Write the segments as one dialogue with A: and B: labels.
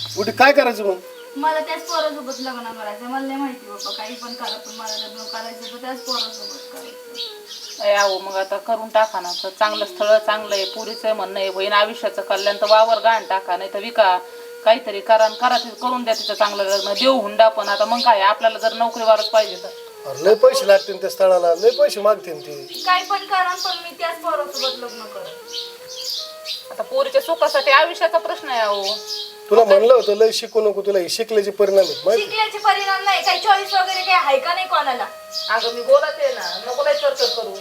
A: कुठे काय करायचं मग?
B: मला त्याच पोरासोबत लग्न करायचं. मला नाही माहिती बाबा, काही पण करा, पण मला लग्न करायचं तर त्याच पोरासोबत करायचं.
C: आहो मग आता करून टाका ना. तर चांगलं स्थळ चांगलं आहे, पुरीचं म्हणणं आहे, बहीण आयुष्याचं कल्याण, तर वावर गाण टाका, नाही तर विका, काहीतरी करा करून द्या तिचं चांगलं लग्न, देऊ हुंडा. पण आता मग काय, आपल्याला जर नोकरीवारच पाहिजे तर
A: अरे लय पैसे लागतील त्या स्थळाला, लय पैसे मागतील ते.
B: काही पण करा, पण मी त्याच पोरासोबत लग्न करेन.
C: आता पोरीच्या सुखासाठी आयुष्याचा प्रश्न आहे अहो.
A: तुला म्हणलं होतं लय शिकू नको, तुला हे शिकल्याचे परिणाम आहेत माहिती?
B: शिकल्याचे परिणाम नाही, काही चॉईस वगैरे काही आहे का नाही कोणाला?
C: अगं मी बोलत आहे ना, नको लय चर्चा करू.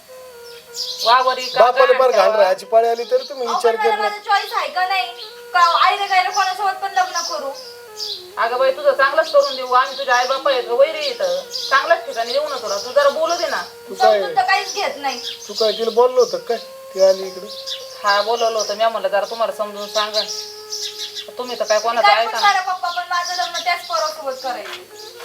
C: वावरी
A: बापाला फार घाण राहायची पाळी आली तर तुम्ही विचार कर ना.
B: चॉईस आहे का नाही? का आईला गायला कोणासोबत पण लग्न करू?
C: अगं बाई तुझं चांगलंच करून देऊ आम्ही. तुझ्या आई बापा येत वैरी येतं, चांगल्याच ठिकाणी येऊ ना तुला. तू जरा बोलू दे ना.
B: समजून तर काहीच घेत नाही.
A: तू काय तिला बोललो होतं काय ती आली इकडे?
C: हा बोलवलं होतं मी, म्हणलं जरा तुम्हाला समजून सांगा. तुम्ही तर काय कोणाचं
B: काय पण
C: ऐका
B: करा पप्पा, पण माझं लग्न त्याच पोरासोबत करायचं.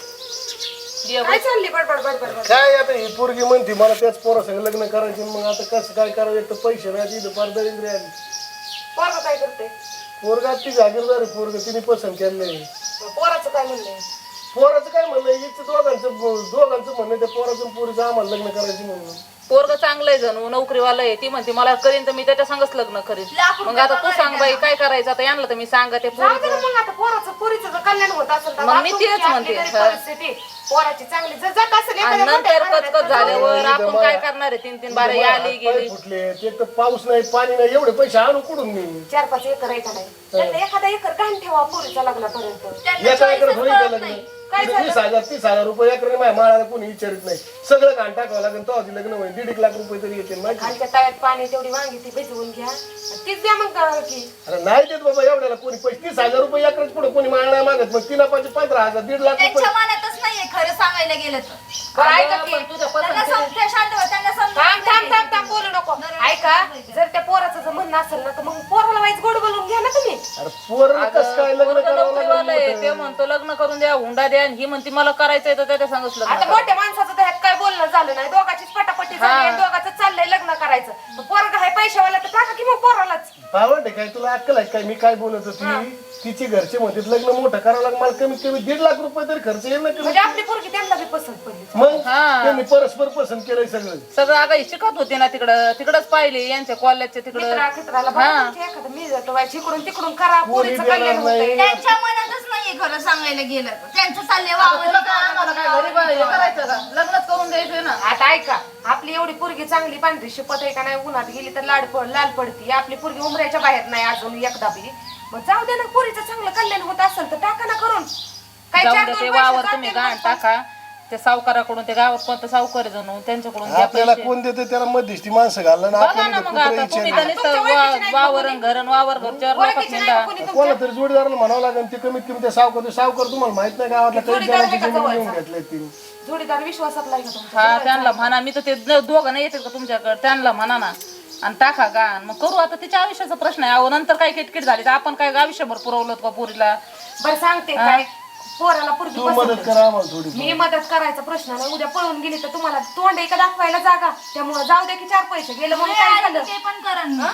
C: ना.
B: चालली बडबड?
A: काय आता ही पोरगी म्हणते मला त्याच पोरासंग लग्न करायचे, मग आता कसं काय करावं? एक तर पैसे नाही, तिथं फार दरिद्री आली.
B: पोरगा काय करते?
A: पोरगा ती जागीरदार आहे, पोरग तिने पसंत केलंय.
B: पोराचं काय म्हणणं?
A: पोराचं काय म्हणणं, हिचं दोघांचं म्हणणं त्या पोराचं आणि पोरीचं आम्हाला लग्न करायचं म्हणून.
C: पोरग चांगलंय जणू, नोकरीवाला आहे. ती म्हणते मला करीन तर मी त्याच्या संगच लग्न करीन. मग आता तू सांग बाई काय करायचं? आता यांना तर मी सांगा ते पोरीचं.
D: मग आता पोरीचं कल्याण होत असेल तर
C: मग मी तेच म्हणते.
D: परिस्थिती पोराची चांगली जर जात असेल
C: आणि नंतर कचकच झाल्यावर आपण काय करणार आहे? 3-3 बारा आली गेली.
A: फुटले ते तर पाऊस नाही पाणी नाही, एवढे पैसे आणू कुठून मी?
D: 4-5 एकर आहे का नाही? त्यांना एखादा एकर घाण ठेवा पोरीच्या लग्नापर्यंत.
A: एका एकर थोडी का लग्न? 20,000-30,000 रुपये एकर माझ्या माळाला कोणी विचारित नाही. सगळं घाण टाकावं लागेल तो आधी लग्न होईल. 1.5 लाख रुपये तरी येतील माहिती?
D: खालच्या तळ्यात पाणी तेवढी वांगी ती भिजवून घ्या आणि तीच द्या मग की.
A: अरे नाही देत बाबा एवढ्याला कोणी पैसे. 30,000 रुपये एकरच पुढे कोणी माळ नाही मागत. मग 15,000 1.5 लाख रुपये.
B: त्यांच्या मनातच नाहीये खरं सांगायला गेलं तर.
D: बरं ऐका की
C: तुझ्या
B: त्यांना समजते, शांत व्हा, त्यांना
D: थांब बोलू नको. ऐका जर त्या पोराचं जर म्हणणं असेल ना तर मग पोराला वाईच गोड बोलून घ्या ना तुम्ही.
A: अरे पोरं कसं काय लग्न
C: पोरगं
A: करावं
C: नोकरीवाला आहे,
A: लागलं?
C: ते म्हणतो लग्न करून द्या, हुंडा द्या. आणि ही म्हणते मला करायचंय तर त्याच्या संगच लग्न
D: आता
C: करा.
D: मोठ्या माणसाचं त्यात काय बोलणं झालं नाही. दोघांचीच पटापटी झाली आणि दोघांचं चाललंय लग्न करायचं. पोरगा आहे पैशावाला तर टाका की मग पोरालाच.
A: पावड काय तुला अक्कल आहे काय? मी काय बोलत होती, तिची घरचे म्हणतात लग्न मोठं करावं लागलं. मला कमीत कमी 1.5 लाख रुपये तरी खर्च येईल ना.
D: म्हणजे आपली पोरगी त्यांना बी पसंत पडली.
A: मग
C: हा.
A: त्यांनी परस्पर पसंत केलंय सगळं.
C: सगळं अगं शिकत होती ना तिकडच पाहिले यांच्या कॉलेजच्या तिकडं.
D: मित्राला बघा तुमच्या एखादं मी जातो बाई इकडून तिकडून करा पोरीचं
A: देणार
D: कल्याण
A: नाही.
D: होतंय.
B: त्यांच्या मनातच नाहीये खरं सांगायला गेलं तर. त्यांचं चाललंय वावर.
C: तुला काय आम्हाला काय घरी हे करायचं का? लग्नच करून द्यायचंय ना.
D: आता ऐका आपली एवढी पोरगी चांगली पांढरी शिपत आहे का नाही? उन्हात गेली तर लाल पडती. आपली पोरगी उमऱ्याच्या बाहेर नाही अजून एकदा बी. मग जाऊ दे ना, पोरीचं चांगलं कल्याण होत असेल तर टाका ना करून. काय
C: जाऊ
D: 4-2
C: दे, ते
D: पैसे
C: वावर
D: जातील
C: तुम्ही
D: मग.
C: गाण टाका. ते सावकाराकडून, ते गावात कोणतं सावकार आहे जणू त्यांच्याकडून घ्या
A: आपल्याला
C: पैसे.
A: कोण देते त्याला मध्यस्थी माणसं घालणं
C: बघा
A: आपल्याला
C: ना
A: ते
C: मग
A: कुत्रं
C: आता तुम्ही
A: विचारलं.
C: तर नुसतं वावरण घरच्यावर लोकांच्या
D: ओळखीचे नाही का कोणी
A: कोणाला
D: तुमच्या?
A: तरी जोडीदाराला म्हणावं लागेल. ते कमीत कमी ते सावकार तुम्हाला माहित नाही गावातला काही
D: जोडीदार
A: जणांची
D: आहे का
A: जमीन
D: जवळचा?
A: घेऊन घेतले तिने.
D: जोडीदार विश्वासातला आहे का तुमच्या?
C: हा त्यांना म्हणा. मी तर ते दोघं नाही येतात का तुमच्याकडे? त्यांना म्हणा ना आणि टाका गाण. मग करू. आता तिच्या आयुष्याचा प्रश्न आहे. अहो नंतर काय किटकिट झाली तर आपण काय आयुष्यभर पुरवलं का पोरीला?
D: बरं सांगते काय पोराला पोरगी
A: तू मदत
D: पसंत
A: करा आम्हाला थोडी.
D: मी मदत करायचा प्रश्न नाही. उद्या पळून गेली तर तुम्हाला तोंड एका दाखवायला जागा. त्यामुळे जाऊ दे की 4 पैसे गेलं म्हणून काय झालं?
B: ते पण करण ना.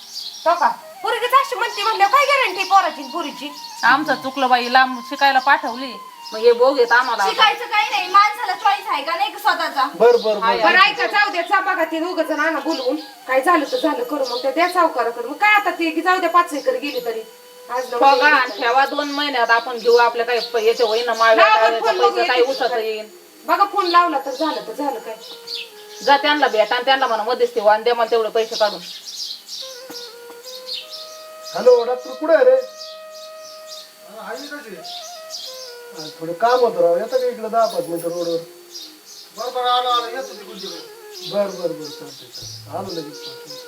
D: तो का पोरगीच अशी म्हणते म्हणल्यावर काय गॅरंटी पोराची पुरीची?
C: आमचं चुकलं बाई, लांब शिकायला पाठवली. मग हे बोग येत आम्हाला.
B: शिकायचं काही नाही, माणसाला चॉईस आहे का नाही स्वतःचा?
A: बर बर बर.
D: बरं ऐका जाऊ द्या बघा ते दोघं जण आणा बोलवून. काय झालं तर झालं करू मग त्या सावकाराकडे. मग काय आता ते की जाऊ द्या 5 एकर गेली तरी आज न उद्या
C: बघा
D: येईल.
C: आणि ठेवा 2 महिन्यात आपण घेऊ. आपल्या काही याचे होईना
D: लावा पण फोन बघू
C: पैसे काही
D: येते
C: उसत
D: का?
C: येईल.
D: बघा फोन लावला तर झालं काय.
C: जा त्यांना भेटा आणि त्यांना म्हणा मध्यस्थी व्हा आणि द्या मला तेवढे पैसे काढून.
A: हॅलो डॉक्टर कुठे आहे रे? थोडं काम होतं राव. येतं का इकडे 10-5 मिनिटं रोडवर? बर चालतंय आलो लगेच.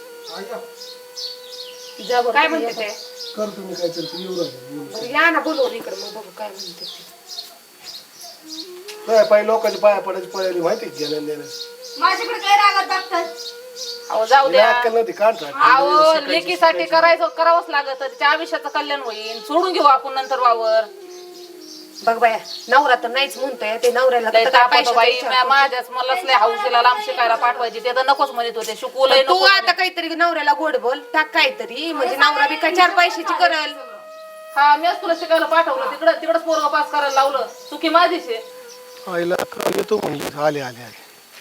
C: जा बरं.
D: काय म्हणते ते?
A: कर तुम्ही काहीतरी ते येऊ राहिले.
D: बरं या ना बोलवून इकडे मग बघू काय म्हणते ते.
A: काय पाय लोकांची पाया पडायची पळाली माहिती घेण्यान देण्यास.
B: माझ्याकडे काय रागत बघतात?
C: अहो जाऊ द्या.
A: अक्कल नव्हती काढता.
C: अहो लेकीसाठी करावंच लागत. तिच्या आयुष्याचं कल्याण होईल. सोडून घेऊ आपण नंतर वावर.
D: बघ बाया नवरा तर नाहीच म्हणतोय. ते नवऱ्याला तर
C: लय
D: काय
C: ताप होतो
D: पैशाचा
C: बाई.
D: विचार
C: माझ्याच मलाच लय हौशीला लांब शिकायला पाठवायची. ते तर नकोच म्हणत होते. शिकवलंय
D: तू
C: नको.
D: आता काहीतरी नवऱ्याला गोड बोल टाक काहीतरी म्हणजे नवरा बी काय 4 पैशाची करल.
C: हा मीच तुला शिकायला पाठवलं तिकडंच पोरग पास करायला लावलं चुकी माझीच आहे.
A: आईला काल येतो म्हणली आले आले आले.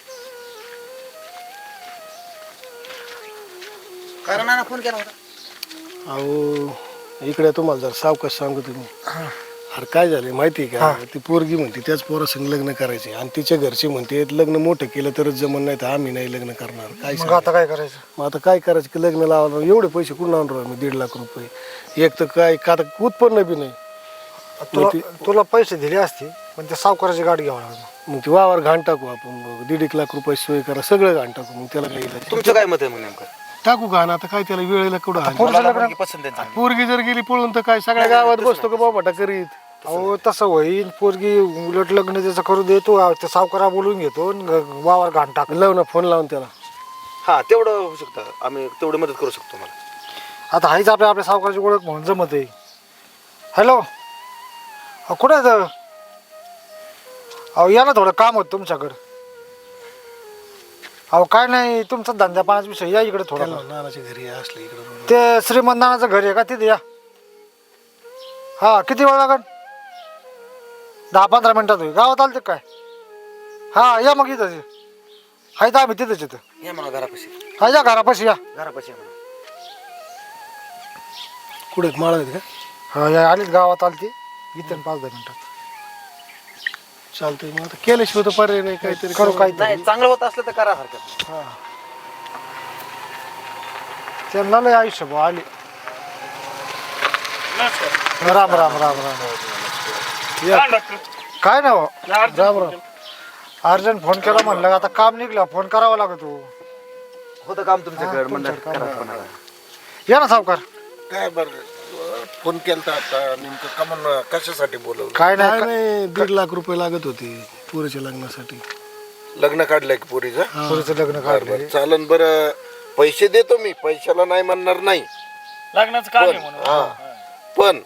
E: कारण ना फोन केला होता.
A: अहो इकडे तुम्हाला जर सावकाश सांगू तुम्ही. अरे काय झालं माहिती का ती पोरगी म्हणते त्याच पोरासंग लग्न करायचे आणि तिच्या घरचे म्हणते लग्न मोठं केलं तरच जमन नाही तर आम्ही नाही लग्न करणार. काय
E: मग आता काय करायचं?
A: मग आता काय करायचं की लग्न लावायला एवढे पैसे कुठून आणणार आम्ही 1.5 लाख रुपये. एक तर काय का उत्पन्न बी नाही.
E: तुला पैसे दिले असते पण ते सावकाराची गाडी घ्यावं लागलं.
A: मग ते वावर घाण टाकू आपण 1.5 लाख रुपये सोय करा सगळं घाण टाकू. मग त्याला काही
E: तुमचं काय मत आहे मग नेमकं?
A: टाकू घाण आता काय त्याला वेळेला कुठं हाल.
E: पसंत आहे.
A: पोरगी जर गेली पळून तर काय सगळ्या गावात बसतो का बाबाटा करीत.
E: अहो तसं होईल पोरगी उलट लग्न त्याचं करू देतो ते सावकारा बोलून घेतो वावर घाण टाक.
A: लाव ना फोन लावून त्याला.
F: हा तेवढं होऊ शकतं आम्ही तेवढी मदत करू शकतो मला.
E: आता हाईच आपल्या सावकाराची ओळख म्हणून जमत आहे. हॅलो कुठे आहे? अहो या ना थोडं काम होतं तुमच्याकडं. अहो काय नाही तुमचा धंद्या पाण्याचा विषय या इकडे थोडा.
A: नानाच्या घरी असले इकडे
E: ते श्रीमंत नानाचं घर आहे का तिथे या. हा किती वेळ लागेल? 10-15 मिनिटात होईल. गावात आलं ते काय? हा या मग इथं आहे तर आम्ही तिथेच येतं.
F: या म्हणा घरापाशी.
E: हा या घरापाशी या.
F: घरापाशी या म्हणा.
A: कुठे माळा आहेत का?
E: हा या आलीच गावात आली ती इथं 5-10 मिनिटात.
A: चालतंय मग आता केल्याशिवाय तर पर्याय नाही काहीतरी
E: करू
A: करू.
E: काहीतरी.
F: नाही चांगलं होत असलं तर करा हरकत.
E: हा त्यांना लय आयुष्य भाऊ आले. राम राम राम राम या. काय ना हो राम राम. अर्जंट फोन केला म्हणलं आता काम निघलं फोन करावा लागतो.
F: होतं काम तुमच्याकडे म्हणलं करा कोणाला.
E: या ना सावकार.
G: काय बरं फोन केलता आता नेमकं कमन कशासाठी बोलवलं?
E: काय
A: काय
E: नाही
A: नाही 1.5 लाख रुपये लागत होते पोरीच्या लग्नासाठी.
G: लग्न काढलंय की पोरीचं?
E: पोरीचं लग्न काढलं.
G: चालन बरं पैसे देतो मी पैशाला नाही म्हणणार नाही.
H: लग्नाचं काम आहे म्हणून.
G: हा पण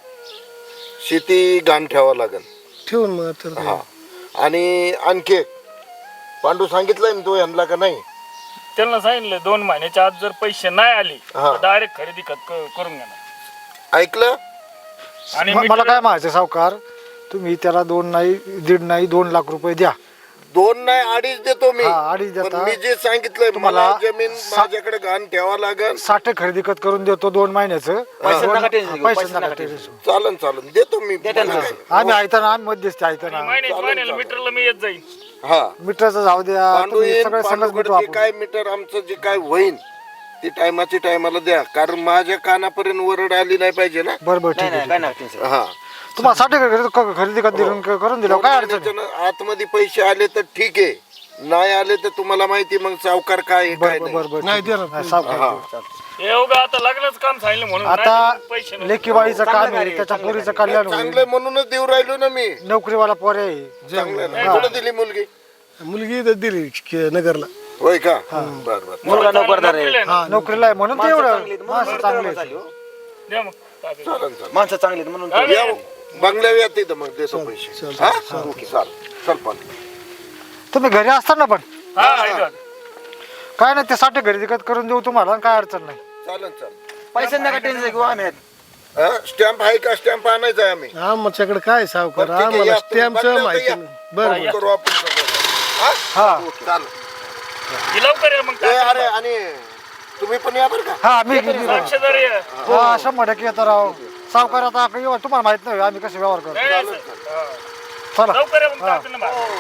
G: शेती घाण ठेवावं लागेल.
A: ठेवून मग तर
G: हा आणि आणखी एक, पांडू सांगितलंय ना तो यांना का नाही?
H: त्यांना सांगितलं 2 महिन्याच्या आत जर पैसे नाही आले
G: हा.
H: तर डायरेक्ट खरेदी करून घेणार.
G: ऐकलं?
H: आणि
E: मला काय म्हणायचं सावकार तुम्ही त्याला 2 नाही 1.5 नाही 2 लाख रुपये द्या.
G: 2 नाही 2.5 देतो मी.
E: हा, 2.5 देता.
G: पण मी जे सांगितलंय
E: तुम्हाला
G: मला जमीन माझ्याकडे घाण ठेवावं लागेल.
E: 60 खरेदी खत करून देतो 2 महिन्याचं.
F: पैसे नका टेन्शन घेऊ,
E: पैसे
F: पैसे
E: नका
F: नका
E: टेन्शन.
G: चालन चालन देतो मी. मला काय.
E: आम्ही ऐकताना आम्ही मध्यस्थी ऐकताना
H: महिन्याला मीटरला मी येत जाईन.
G: हा
E: मीटरचं जाऊ द्या
G: पांडू
E: तुम्ही
G: येईन,
E: सगळे संगच
G: पांडूकडे
E: भेटू
G: जे
E: आपण.
G: काय मीटर आमचं जे काय होईन ती टायमाला द्या कारण माझ्या कानापर्यंत वरड आली नाही पाहिजे ना.
E: बरोबर ठीक
F: नाही
E: आहे.
F: नाही काय नाही टेन्शन.
G: हा
E: तुम्हाला 60 खरेदी खत दिलं करून दिलं काय अडचण आहे?
G: त्याच्यानं आतमध्ये पैसे आले तर ठीक आहे नाही आले तर तुम्हाला माहिती मग सावकार काय आहे, काय नाही.
E: बरोबर
A: नाही
E: ठीक आहे.
A: देणार.
E: हा, सावकार.
G: हा
H: हे उगा आता लग्नाचं काम सांगितलं म्हणून नाही
E: आता
H: तर पैसे नाही.
E: लेकीवाळीचं काम आहे त्याच्या पोरीचं कल्याण होईल.
G: चांगलं म्हणूनच देऊ राहिलो ना मी.
E: नोकरीवाला पोर आहे.
G: चांगलं ना. कुठं दिली मुलगी?
A: मुलगी तर दिली नगरला.
G: होय का? बर बर
F: मुलगा नोकरदार आहे.
H: नोकरीला आहे ना.
E: नोकरीला आहे म्हणून ते एवढं
F: चांगली आहेत, म्हणून
E: माणसं चांगली
F: झाली
E: आहेत.
F: हो.
H: द्या मग ताब्यात.
G: चालन चालन
F: माणसं चांगली आहेत म्हणून
H: हा,
G: या बंगल्यावर येते तर मग देतो पैसे. हा ओके चाल चल पण
E: तुम्ही घरी असताना पण
H: हा ऐका.
E: काय नाही ते 60 खरेदी खत करून देऊ तुम्हाला काय अडचण नाही.
G: चालन चाल.
F: पैसे नका टेन्शन घेऊ आम्ही आहेत.
G: स्टॅम्प आहे का? स्टॅम्प आणायचा आहे आम्ही.
A: आमच्याकडे काय सावकार
G: बरं, ठीक आहे,
A: आम्हाला
G: या, तुम्ही
A: स्टॅम्पचं
G: बंगल्यावर
A: माहिती
G: या.
A: नाही. बरं
G: करू आपण सगळं. हा?
E: हा
G: ओके, चालेल.
H: की लवकर या मग
G: ए, अरे आणि तुम्ही पण या बरं का?
E: हा मी
H: साक्षीदार या.
E: हा 100% येतो राव. सावकार आता तुम्हाला माहित नाही आम्ही कसे व्यवहार करतो.
H: नाही, नाही, सर. हा.
E: चला
H: लवकर या मग ताब्यात ना बाहेर.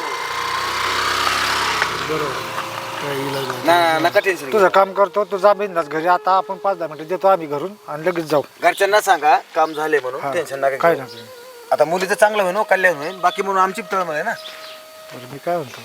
A: काही इलाज नाही.
F: ना नका टेन्शन घेऊ.
E: तुझं काम करतो तू जा बिंदास घरी. आता आपण 5-10 मिनिटं देतो आम्ही घरून आणि लगेच जाऊ.
F: घरच्यांना सांगा काम झाले म्हणून
E: हा.
F: टेन्शन नका
E: काय
F: घेऊ.
E: नाही
F: आता मुलीचं चांगलं होईल हो, कल्याण होईल बाकी म्हणून आमची तळमळ आहे ना.
E: बरं मी काय म्हणतो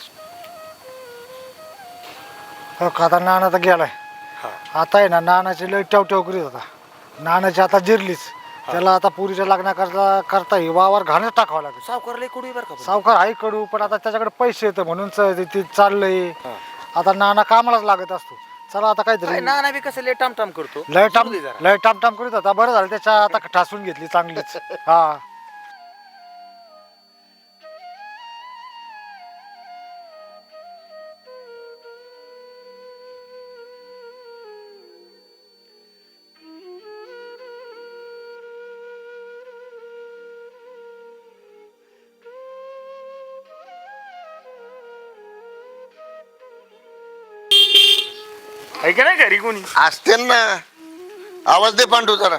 E: हो का आता नाना तर गेलाय. आता आहे ना नानाची लय टवटव करीत होता. नानाची आता जिरलीच. त्याला आता पुरीच्या लग्नाकरता ही वावर घाणच टाकावं लागेल.
F: सावकार लय कुठे बरं का.
E: सावकार आहे कडू पण आता त्याच्याकडे पैसे येतं म्हणून ते चाललंय. आता नाना कामालाच लागत असतो. चला आता
F: काय
E: काहीतरी
F: ना बी कसं लय टाम करतो.
E: लय टाम
F: सोडू दे जरा.
E: लय टाम करीत होता. बरं झालं त्याच्या आता ठासून घेतली चांगलीच. हा
H: आहे का नाही घरी कोणी?
G: असते ना. आवाज दे पांडू जरा.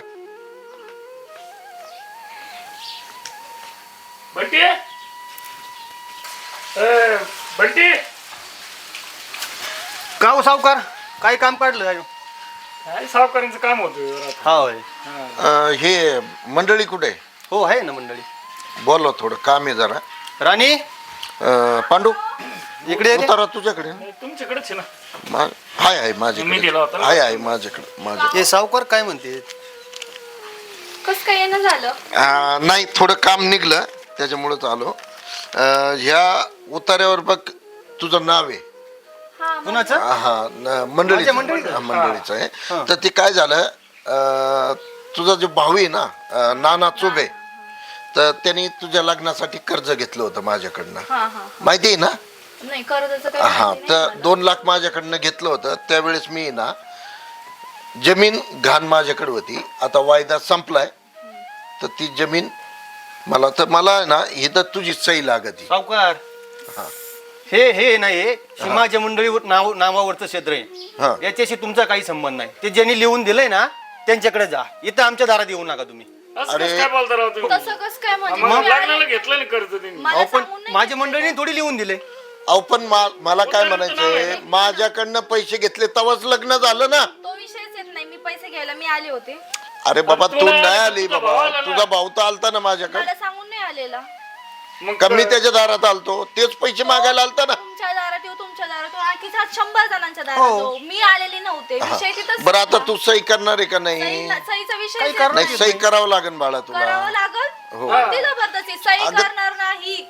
H: बंटी बंटी
I: का हो सावकार काय काम काढलं काय
H: काय सावकारांचं काम होतं.
I: हा होय
G: हे मंडळी कुठे?
I: हो आहे ना मंडळी.
G: बोलव, थोडं काम आहे जरा.
I: राणी
G: पांडू
I: इकडे ये रे.
G: उतारा तुझ्याकडे.
H: तुमच्याकडेच आहे ना.
G: आहे
H: मी
G: माझ्याकडे.
H: दिला होता ना.
G: आहे माझ्याकडे.
I: हे सावकार काय म्हणते
B: कसं काय येणं झालं?
G: नाही, थोडं काम निघलं त्याच्यामुळेच आलो. ह्या उतार्यावर बघ तुझं नाव आहे.
I: कुणाचं
G: मंडळीचं
I: मंडळीचं?
G: मंडळीचं आहे. तर ते काय झालं, तुझा जो भाऊ आहे ना नाना चुबे, तर त्यांनी तुझ्या लग्नासाठी कर्ज घेतलं होतं माझ्याकडनं.
B: हा हा
G: माहिती आहे ना?
B: नाही कर्जाचं काय
G: हा,
B: माहिती
G: तर
B: नाही मला.
G: 2 लाख माझ्याकडनं घेतलं होतं. त्यावेळेस मी ना जमीन घाण माझ्याकडे होती. आता वायदा संपलाय, तर ती जमीन मला आहे ना, ही तर तुझी सही लागती.
I: सावकार हे नाही हे माझ्या मंडळीवर नावावरचं क्षेत्र
G: हा.
I: आहे. याच्याशी तुमचा काही संबंध नाही. ते ज्यांनी लिहून दिलंय ना त्यांच्याकडे जा. इथं आमच्या दारात येऊ नका तुम्ही.
H: असं कसं काय बोलता राव तुम्ही?
B: तसं कसं काय म्हणजे
H: मग
B: तुम्ही
H: लग्नाला
B: आले-
H: घेतलं ना कर्ज त्यांनी.
B: मला
I: अहो पण
B: सांगून नाही
I: माझ्या
B: घेतलं.
I: मंडळीने थोडी लिहून दिले.
G: अहो पण मला काय म्हणायचंय, माझ्याकडनं पैसे घेतले तेव्हाच लग्न झालं ना.
B: तो विषयच येत नाही. मी पैसे घ्यायला मी आले होते.
G: अरे बाबा
H: तुला
G: तू नाही आली
H: तुझा
G: बाबा,
H: भाऊ आला ना.
G: तुझा भाऊ तर आलता ना माझ्याकडे.
B: मला सांगून नाही आलेला.
H: मग
G: कमी त्याच्या दारात आलतो, तेच पैसे मागायला आलता ना.
B: तुमच्या दारात येऊ, तुमच्या दारात येऊ, आणखी 100 जणांच्या दारात
I: हो.
B: येऊ. मी आलेली नव्हते. विषय तिथंच
G: बरं आता
B: संपला.
G: तू सही करणार आहे का नाही?
B: सहीचा विषय
I: काही
B: येत
I: करणार
B: नाही.
G: नाही, सही करावं लागेल बाळा
B: करावं
G: तुला.
B: लागल.
G: हो.
B: कोणती जबरदस्ती? सही
G: अगं-
B: करणार नाही.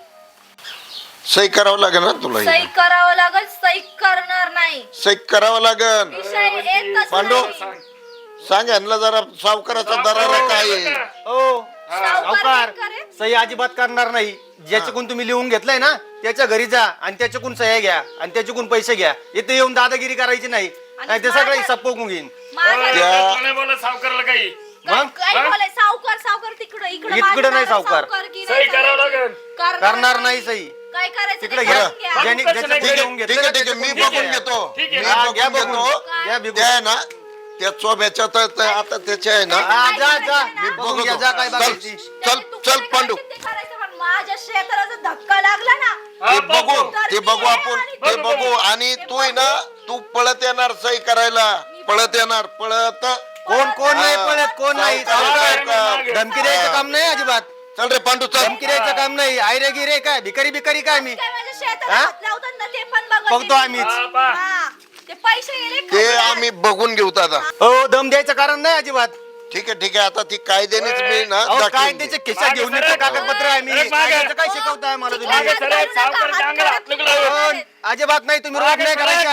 G: सही करावं लागेल ना तुला.
B: सही करावं लागल. सही करणार नाही.
G: सही करावं लागेल.
B: विषय येतच
G: पांडू
B: नाही.
G: सांग यांना जरा सावकाराचा दरारा काय आहे.
I: हो
B: सावकार
I: सावकार
B: काय करेल?
I: सही अजिबात करणार नाही. ज्याच्याकडून तुम्ही लिहून घेतलंय ना त्याच्या घरी जा आणि त्याच्याकडून सह्या घ्या आणि त्याच्याकडून पैसे घ्या. इथे येऊन दादागिरी करायची नाही. नाही ते सगळं हिसाब पोकून घेईन.
B: माझ्या-
H: नाही बोला सावकाराला काही.
B: काय
I: मग?
B: काय बोलाय? सावकार तिकडं
I: इकडं
B: माझ्या
I: नाही
B: दारात
I: सावकार.
B: सावकारकी
H: सही
B: नाही
H: करावं
B: करायची.
H: लागेल.
I: करणार नाही सही.
B: काय करायचं
I: तिकडे
B: ते
I: घ्या.
B: करून घ्या.
I: ज्यांनी
H: कसं
I: ज्याच्याकडून
H: नाही?
I: लिहून
G: ठीक
I: घेतलं
G: आहे, ठीक आहे, मी
I: त्याच्याकडून
G: बघून
I: घ्या.
G: घेतो.
H: ठीक
G: मी
H: आहे.
I: हा, घ्या
G: बघून
I: बघून.
G: घेतो.
I: घ्या बघून.
G: त्या आहे ना, त्या चोब्याच्या तर आता त्याच्या आहे ना.
I: हा, जा जा
B: मी
I: बघून
G: बघतो.
I: घ्या, जा काय
G: चल
I: बघायची.
G: चल
B: त्याचे तुकडे
G: चल पांडू,
B: करायचे ते करायचं, पण माझ्या शेताला जर धक्का लागला ना
H: हा,
G: ते बघू
B: तर
G: ते
B: मी
G: बघू
B: हे
G: आपण,
B: आणि
G: ते
B: ते
G: बघू. आणि तू आहे ना, तू पळत येणार सही करायला. पळत येणार, पळत.
I: कोण नाही पळत, कोण नाही.
G: सावकार.
I: धमकी द्यायचं काम नाही अजिबात.
G: चल रे पांडू चल.
I: धमकी द्यायचं काम नाही. आयरे गिरे काय भिकारी बिकारी काय मी
B: काय माझ्या शेताला
I: हा?
B: हात लावतात ना ते पण बघत
I: बघतो
B: नाही.
I: आम्हीच.
B: हा. ते पैसे गेले
G: ते
B: खजिन्यात.
G: आम्ही बघून घेऊ दादा.
I: हो दम द्यायचं कारण नाही अजिबात.
G: ठीक आहे, ठीक आहे. आता ती कायद्यानेच मी ना
I: अहो काय
G: दाखवीन.
I: त्याचे खिशात घेऊन येतं कागदपत्र आहे मी. कायद्याचं काय शिकवताय मला
B: तिकडे
I: तुम्ही?
B: हात
H: सर,
B: घालू नका,
H: सावकारच्या
B: हात
H: अंगाला
B: घालत
H: हात नको
B: नाही.
H: लावू.
I: पण अजिबात नाही. तुम्ही रोग नाही करायचा.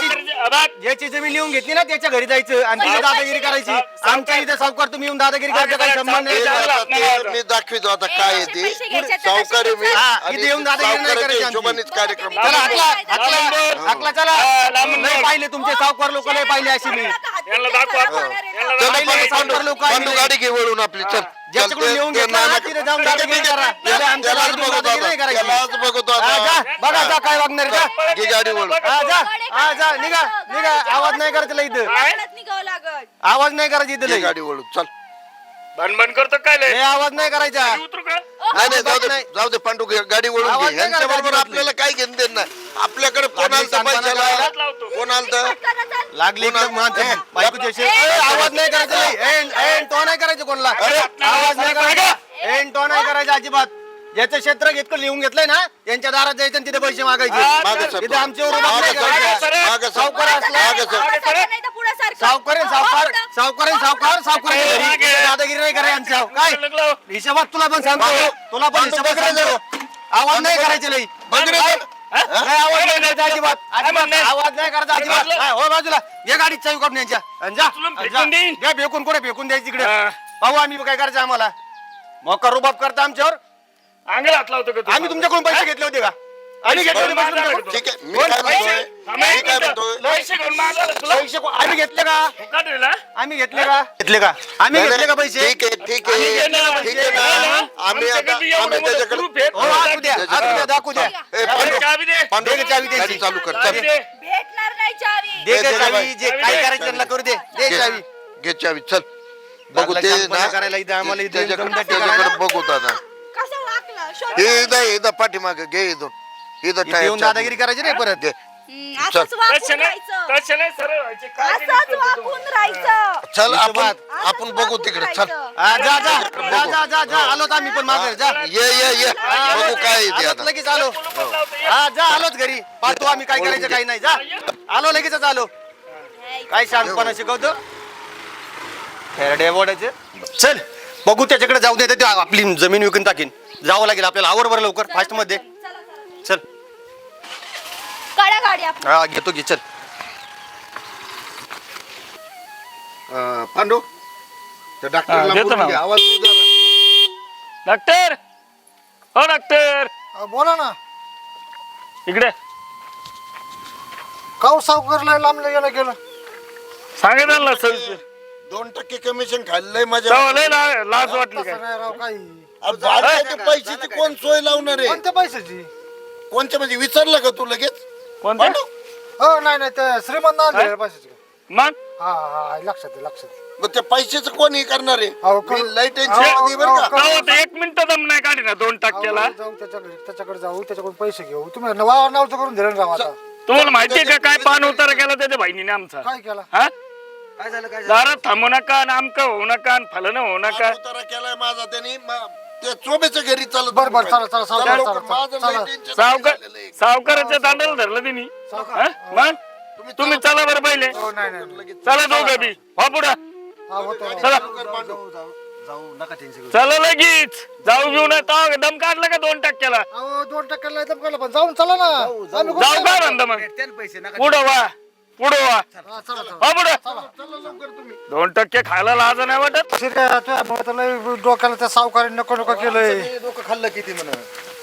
I: ज्याची जमीन लिहून घेतली ना त्याच्या घरी जायचं आणि तिथे दादागिरी करायची. आमच्या इथे सावकार तुम्ही येऊन दादागिरी करायचा काही संबंध
G: ते
I: नाही.
G: आता ते मी दाखवितो आता काय आहे ते.
B: पैसे घ्यायचे तर
G: सावकार आहे मी.
I: हा,
G: आणि
I: इथे येऊन दादागिरी नाही
G: सावकाराच्या
I: करायची आमची.
G: हिशोबानेच कार्यक्रम
I: चला
G: करू.
I: हाकला चला. नाही पाहिले तुमचे सावकार लोक नाही पाहिले अशी मी.
H: यांना दाखवा. यांना
G: चल
I: पाहिले
G: पांडू,
I: सावकार लोक
G: पांडू गाडी घे वळून आपली. चल
I: ज्याच्याकडून
G: चल,
I: लिहून
G: ते
I: घेतलं ना,
G: नाना-
I: तिथे जाऊन दादागिरी करा. त्याला आमच्या
G: त्यालाच
I: दादागिरी
G: बघतो
I: नाही
G: आता.
I: करायची.
G: त्यालाच बघतो
I: हा,
G: आता.
I: जा. बघा जा काय वागणार आहे, जा.
G: घे गाडी वळून.
I: हा जा निघा निघा. आवाज नाही करायचा लय इथं.
B: निघावं लागल.
I: आवाज नाही करायचा इथं
G: घे
I: लय.
G: गाडी वळून चल.
H: भनभन करतो काय लय?
I: हे आवाज नाही करायचा.
H: उतरू का?
G: नाही नाही जाऊ दे,
I: नाही.
G: जाऊ दे पांडू गाडी वळून
I: आवाज
G: घे.
I: नाही
G: यांच्या बरोबर
I: करायचा
G: आपल्याला काय घेणं देणं नाही. आपल्याकडे कोण
I: लागली
G: आलतं
I: सांगताना
G: पैशाला?
H: हात लावतो.
G: कोण आलतं?
I: लागली
G: कोण-
I: एकदम माणसं.
G: ए,
I: बायकोची अशी. ए, आवाज नाही करायचा लय. तो नाही करायचं कोणला. आवाज नाही करायचा. तो नाही करायचा अजिबात. ज्याचं क्षेत्र इतकं लिहून घेतलंय ना त्यांच्या दारात जायचं आणि तिथे पैसे मागायचे.
G: मागं सर.
I: तिथे आमच्यावर उभा नाही
G: मागं
I: करायचा.
G: सर. मागं सर.
I: सावकार असला
G: मागं सर.
I: सावकार दादागिरी नाही करायचं. काय हिशोबात तुला पण सांगतो. तुला पण हिशोबात सांगतो. आवाज नाही करायचे लई.
G: बघ रे,
I: काय? नाही आवाज नाही करायचा अजिबात. अजिबात आवाज नाही करायचा अजिबात. नाही, हो बाजूला ये गाडीत चावी काढून यांच्या आणि जा.
H: उचलून
I: आणि
H: फेकून
I: जा.
H: देईन.
I: घ्या फेकून कुठे फेकून द्यायची इकडे.
H: हा.
I: पाहू आम्ही काय करायचं आम्हाला. मोका रुबाब करता आमच्यावर.
H: अंगाला हात लावतो का तू?
I: आम्ही तुमच्याकडून पैसे घेतले होते का? आम्ही घेतले होते पैसे तुमच्याकडून?
G: ठीक आहे मी काय म्हणतोय, मी काय म्हणतोय.
H: पैसे घेऊन मागायला तुला
I: आम्ही घेतले का?
H: फुकट दिला?
I: आम्ही घेतले का? घेतले का? आम्ही
G: नाही,
I: घेतले का
G: नाही,
I: पैसे?
G: ठीक आहे ठीक
H: आम्ही
G: आहे
H: घेणार.
G: ठीक आहे ना. आम्ही आता
H: आमच्याकडे एवढं
G: आम्ही
H: मोठं
G: त्याच्याकडे
H: group आहे.
I: हो, दाखवू द्या दाखवू द्या.
G: ए, पांडू,
H: चावी दे.
G: पांडू,
I: दे ग चावी
G: गाडी
I: त्यांची.
G: चालू कर
H: चावी
G: चल.
H: दे.
B: भेटणार नाही चावी.
I: दे ग चावी, जे काय करायचं त्यांना करू दे. दे चावी.
G: घे चावी चल बघू ते
I: लागला करायला इथं आम्हाला इथे
G: त्याच्याकडे बघू दादा
B: कसा वाकला शोध.
G: हे इथं पाठीमागे घे इथून इथं
I: इथे येऊन दादागिरी करायची नाही परत.
G: घे
B: असंच
H: तसे
B: वाकून
H: नाही
B: राहायचं.
H: तसे नाही सरळ व्हायचे काय ते
B: असंच
H: नुसतं तुम्ही.
B: वाकून राहायचं.
G: चल आपण
B: असंच
G: आपण बघू
B: वाकून
G: तिकडे चल
B: राहायचं.
I: हा, जा जा जा जा जा जा आलोच आम्ही पण मागे जा.
G: ये बघू काय आहे ते
I: आलोच
G: आता
I: लगेच आलो.
H: कुलूपच लावतो, ये.
I: हा जा आलोच घरी पाहतो आम्ही काय करायचं काही नाही. जा आलो लगेचच आलो. काय शांतपणा शिकवतो खेरडे बोडायचे. चल बघू त्याच्याकडे जाऊ दे ते आपली जमीन विकून टाकीन. जावं लागेल आपल्याला आवर बरं लवकर फास्ट मध्ये. चल
B: काढा गाडी आपण.
I: हा घेतो घे चल.
G: पांडू त्या डॉक्टरला
H: देतो
G: बोलून
H: ना.
G: घे, आवाज दे जरा.
H: डॉक्टर हो डॉक्टर
E: बोला ना
H: इकडे
E: काऊ सावकारला लांबलं गेलं गेलं
H: सांगितलं ना सर
G: 2% कमिशन खाल्लंय माझ्या
H: तेव्हा लय लाज वाटली काय
E: तसं नाही राव काही
G: भाड्याच्या पैशाची कोण सोय लावणार आहे
E: कोणत्या पैशाची
G: कोणच्या म्हणजे विचारलं का तू लगेच
H: कोणत्या
E: हो नाही नाही ते श्रीमंत आणले पैशाची
H: मग
E: हा हा लक्षात आहे, लक्षात आहे.
G: मग त्या पैशाचं कोण हे करणार
E: अहो,
G: आहे
E: कोण-
G: मी लय
E: अहो,
G: टेन्शन मध्ये बरं का
H: तेव्हा ते 1 मिनिट दम नाही काढी ना 2%ला
E: अहो, जाऊ त्याच्याकडे जाऊ त्याच्याकडून पैसे घेऊ तुम्ही वावर नावचं करून दिलं ना राव आता
H: तुम्हाला माहितीये का काय पान उतारा केला त्याच्या बहिणीने आमचा
E: काय केला
H: हा
I: काय झालं काय
H: दारात थांबू नका आणि आमकं होऊ नका आणि फलन होऊ नका
G: उतारा केलाय माझा त्यांनी त्या चोबेच्या घरी चालत
E: बरं बरं चला चला
G: चला
E: चला
G: लवकर,
E: चला
G: माझं लय
E: चला
G: टेन्शन
H: सावकार
G: झालेलं आहे.
H: सावकाराच्या दांडाला धरलं तिने मग तुम्ही चला बरं पहिले
E: हो नाही नाही
H: चला दोघं बी हो पुढं
E: हा होतो राव.
H: चला
I: जाऊ नका टेन्शन
H: चला लगेच जाऊ घेऊन येतो दम काढला का 2%ला
E: अहो 2% एकदम केलं पण जाऊन चला ना आम्ही कुठं
H: जाऊ काय म्हणता मग
I: पैसे नका
H: पुढं वा पुढं वा
E: हा, चला चला
H: हो पुढं 2% खायला लाज नाही वाटत
E: शिर्या, तुझ्यामुळे तर लय डोक्याला त्या सावकाराने नको नको केलंय
I: डोकं खाल्लं किती म्हणा.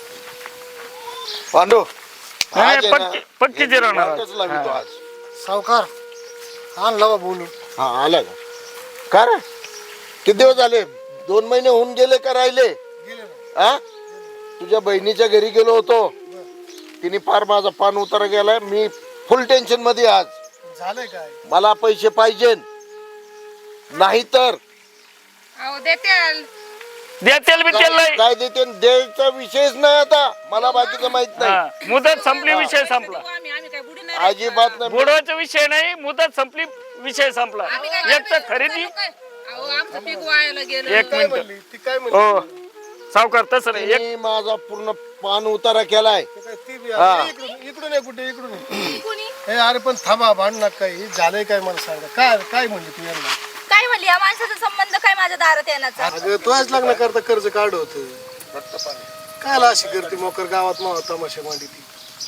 G: पांडू
H: नाही,
G: आज आहे ना,
H: पक्की
G: हे
H: जिरवणार.
G: नाटकच लावितो आज
E: सावकार आणला बा बोलू
G: हा आला का का रे किती दिवस झाले 2 महिने होऊन गेले का राहिले हा तुझ्या बहिणीच्या घरी गेलो होतो तिने फार माझा पान उतारा गेलाय मी फुल टेन्शन मध्ये आज
A: झालंय काय
G: मला पैसे पाहिजे नाही तर
D: अहो देते
H: देतेल बी तेल नाही
G: काय देते द्यायचा विषयच नाही आता मला बाकीचं माहित नाही
H: हा, मुदत संपली विषय संपला
C: आम्ही काय बुडी नाही
G: अजिबात नाही
H: बुडवायचा विषय नाही मुदत संपली विषय संपला एक तर खरेदी
C: अहो आमचं पीक वायाला गेलं
H: 1 मिनिट
A: म्हणली ती काय म्हणली
H: हो सावकार तसं नाही एक
G: तिने माझा पूर्ण पान उतारा केलाय
A: ती बी
G: हा.
A: आहे. इकडून आहे कुठे इकडून आहे. हे अरे पण थांबा भांड नका काही झालंय काय मला सांगा काय काय म्हणली तू यांना
B: काय म्हणली या माणसाचा संबंध काय माझ्या दारात येण्याचा.
A: अगं तुझ्याच लग्न करता कर्ज काढ होत कायला अशी करते मोकर गावात मावा तमाशा मांडी ती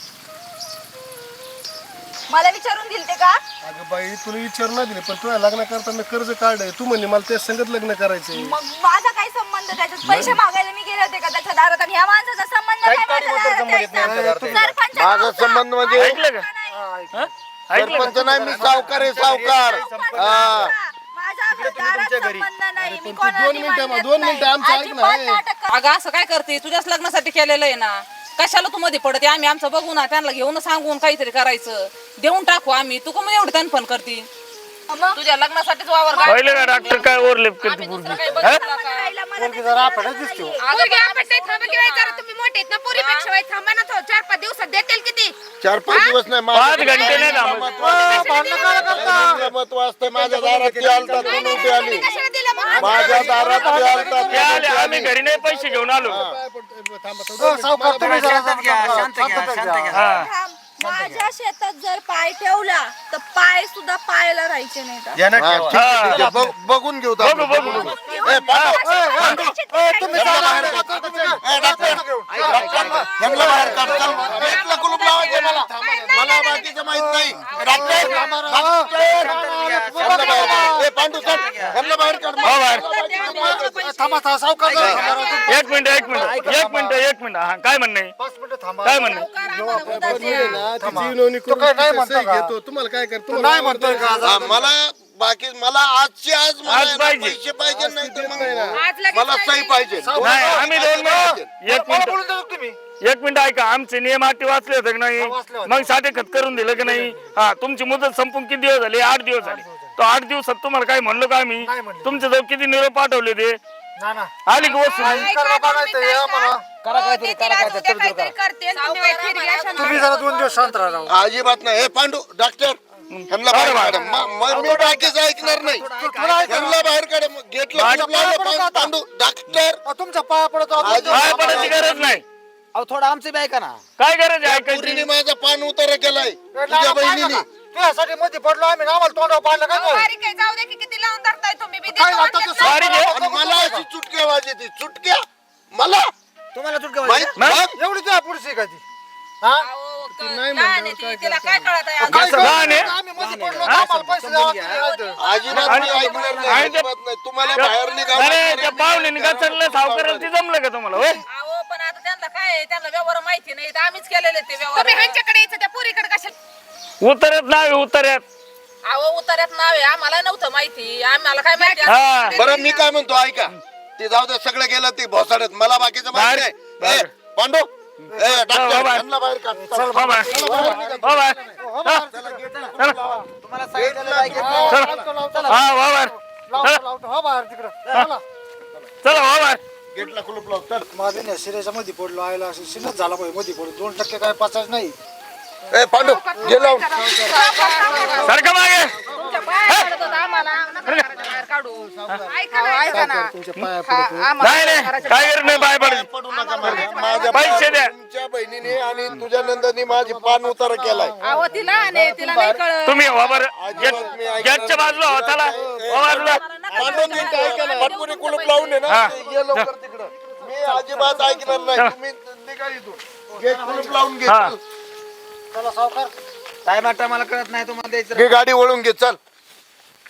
B: मला विचारून दिल ते का.
A: अगं बाई तुला विचार नाही दिले पण तुझ्या लग्न करता मी कर्ज काढ तू म्हणली मला त्या संगत लग्न करायचंय
B: मग माझा काय संबंध त्याच्यात. पैसे मागायला मी गेले होते का त्याच्या दारात आणि ह्या माणसाचा संबंध काय माझ्या दारात यायचा? सरपंच
G: माझा संबंध म्हणजे
H: ऐकलं का हा? ऐकलं का?
G: सरपंच नाही मी सावकार आहे सावकार हा
B: माझा दारात संबंध नाही. मी
A: तू
B: कोणाला
A: 2 मिनिटं
B: म्हणत
A: 2
B: नाही.
A: मिनिटं आमचं ऐक ना
B: अजिबात
A: हे.
B: नाटक कर-
C: अगं असं काय करते तुझ्याच लग्नासाठी केलेलं आहे ना कशाला तू मध्ये पडते आम्ही आमचं बघू ना त्यांना घेऊन सांगून काहीतरी करायचं देऊन टाकू आम्ही तू का मग एवढी तनफन करते
B: मग
C: तुझ्या लग्नासाठीच वावर
H: पाहिलं का डॉक्टर काय ओरलेप करते
C: दुसरं
H: पूर्वी
C: काही
H: हा?
C: बघितलं
B: संबंध
C: का?
B: राहिला मला
E: पोरगी
B: त्याचा
E: जरा
B: दारात
E: आपल्याला दिसते हो.
B: नाहीये.
D: पोरगी आपटते थांबा की नाही जरा तुम्ही मोठे आहेत ना पोरीपेक्षा वाईट थांबा ना 4-5 दिवसात देतील किती
G: 4-5 दिवस नाही
H: 5 घंटे नाही थांबत.
G: महत्व असतं माझ्या दारात ती आलतात म्हणून उभी आली
D: कशाला दिलं मग
G: माझ्या दारात ती आलतात
H: ते आले, आम्ही घरी नाही पैसे घेऊन आलो
A: काय पण थांबा
E: हो, सावकार तुम्ही जरा शांतता घ्या.
H: हा
B: थांब. माझ्या शेतात जर पाय ठेवला तर पाय सुद्धा पायाला राहायचे नाही का?
I: ध्यानात
G: हा,
I: ठेवा.
G: ठीक आहे, ठीक आहे. बघून घेऊ
H: बघू
G: दादा.
H: बघू
G: ए, पांडू,
E: तुम्ही
G: यांना
E: जरा
G: बाहेर काढ. ए, डॉक्टर, यांना बाहेर काढ. चल, गेटला कुलूप लावायचं मला. मला बाकीचं माहित नाही. डॉक्टर, यांना बाहेर काढ. ए, पांडू, चल, यांना बाहेर काढ.
H: हो, बाहेर.
E: थांबा थांबा सावकार जरा थांबा राव.
H: 1 मिनिट 1 मिनिट हा काय म्हणणं
E: 5 मिनिटं थांबा
H: काय म्हणणं
E: तो काय नाही म्हणतो का?
A: घेतो तुम्हाला काय करतो
E: तू नाही म्हणतोय का
G: हा, मला बाकी मला आजची आज मला
H: आज
G: आहे ना,
H: पाहिजे.
G: पैसे पाहिजे नाही तर मग
D: आज लगेच
G: मला सही पाहिजे
H: नाही आम्ही 2 मिनिट 1
E: मला
H: मिनिट
E: बोलून देतो तुम्ही
H: एक मिनिट ऐका, आमचे नियम अटी वाचले होते की नाही?
E: वाचले होते.
H: मग साधे खत करून दिलं की नाही? हा, तुमची मुदत संपून किती दिवस झाले? 8 दिवस झाले. तो 8 दिवसात तुम्हाला काय म्हणलो का आम्ही?
E: नाही म्हणले.
H: तुमच्या जवळ किती निरोप पाठवले ते?
E: ना ना
H: आली की वस्तू?
E: करा बघायचं हे आम्हाला.
D: काहीतरी करते आणि तुम्ही वाईट फिरवी अशा
E: तुम्ही जरा 2 दिवस शांत राहा.
G: अजिबात नाही. हे पांडू डॉक्टर ह्यांना बाहेर काढा. मी बाकीच ऐकणार नाही. ह्यांना बाहेर काढा. गेटला कुलूप लावलं. पांडू डॉक्टर
E: तुमच्या पाया पडतो.
H: काय पडायची गरज नाही.
I: अहो थोडं आमचं बी ऐका ना.
H: काय गरज आहे ऐकायची?
G: पुरीने माझा पान उतारा केलाय तुझ्या बहिणीने.
E: तुझ्यासाठी मध्ये पडलो आम्ही आम्हाला तोंडावर पाडलं काय काय?
D: बारीक आहे, जाऊ दे की किती लावून धरताय तुम्ही बी
E: काय
D: देतो
E: लागतं
D: म्हणतात
E: ते
D: ना.
H: बारीक आहे.
G: आणि मला अशी चुटक्या वाजते. चुटक्या मला
I: तुम्हाला चुटका
G: माहित
H: मग?
E: एवढी तुझ्या पुढची का ती? हा?
D: लहान आहे ती, तिला काय कळत आहे
E: काय
H: लहान आहे?
E: कळतं? आम्ही मध्ये पडलो तर आम्हाला पैसे द्यावा लागतील, नाहीतर.
G: अजिबात मी ऐकणार नाही.
H: आणि ते-
G: अजिबात नाही. तुम्हाला बाहेर निघावं
H: अरे
G: लागणार
H: त्या
G: आहे.
H: पाहुण्याने का चढलं सावकाराला ते जमलं का तुम्हाला? होय,
C: अहो पण आता त्यांना काय आहे, त्यांना व्यवहार माहिती नाही तर आम्हीच केलेले ते
D: तुम्ही
C: व्यवहार.
D: ह्यांच्याकडे यायचं त्या पुरीकडे कशाला?
H: उतरत नाही उतरत.
C: अहो उतार्यात नाव आहे, आम्हाला नव्हतं माहिती. आम्हाला काय माहिती?
H: हा.
G: बरं मी काय म्हणतो ऐका. ते जाऊ दे, सगळं गेलं ते भोसाडत. मला बाकीचं माहिती नाही.
H: बाहेर.
G: ए, पांडू ए, डॉक्टर
H: बाहेर.
G: ह्यांना बाहेर काढ.
H: हो बाय. हो बाय.
I: तुम्हाला सांगितलं नाही की-
H: हा हो बाय.
E: लावतो हा बाहेर तिकडं चला.
H: चला हो बाय.
G: गेटला कुलूप लाव. चल.
E: माझं नाही सिरेच्या मध्ये पडलो आयला सिनच झाला पाहिजे मध्ये पडलो 2% काय पाचाच नाही.
G: ए पांडू गे लावून.
H: सारखं मागे.
D: तुमच्या पाया पडत होता आम्हाला नका घराच्या बाहेर काढू. ऐका ना.
A: तुमच्या पाया पडतो.
H: नाही नाही काय गरज नाही बाय पडायची.
G: पडू नका माझ्या
H: पैसे द्या.
G: तुमच्या बहिणीने आणि तुझ्या नंदानी माझी पान उतारा केलाय.
C: अहो तिला नाही, तिला नाही कळत.
H: तुम्ही हो बरं गेटच्या बाजूला हो. चला हो बाजूला.
G: पांडू नीट ऐका ना. पाटपुरी कुलूप लावून आहे ना.
H: हा.
G: ते ये लवकर तिकडं. मी अजिबात ऐकणार नाही. तुम्ही निघा इथून. गेट कुलूप लावून घे.
H: हा.
G: चल.
E: चला सावकार
I: टायमा टायमाला कळत नाही तुम्हाला द्यायचं.
G: घे गाडी वळून घे. चल.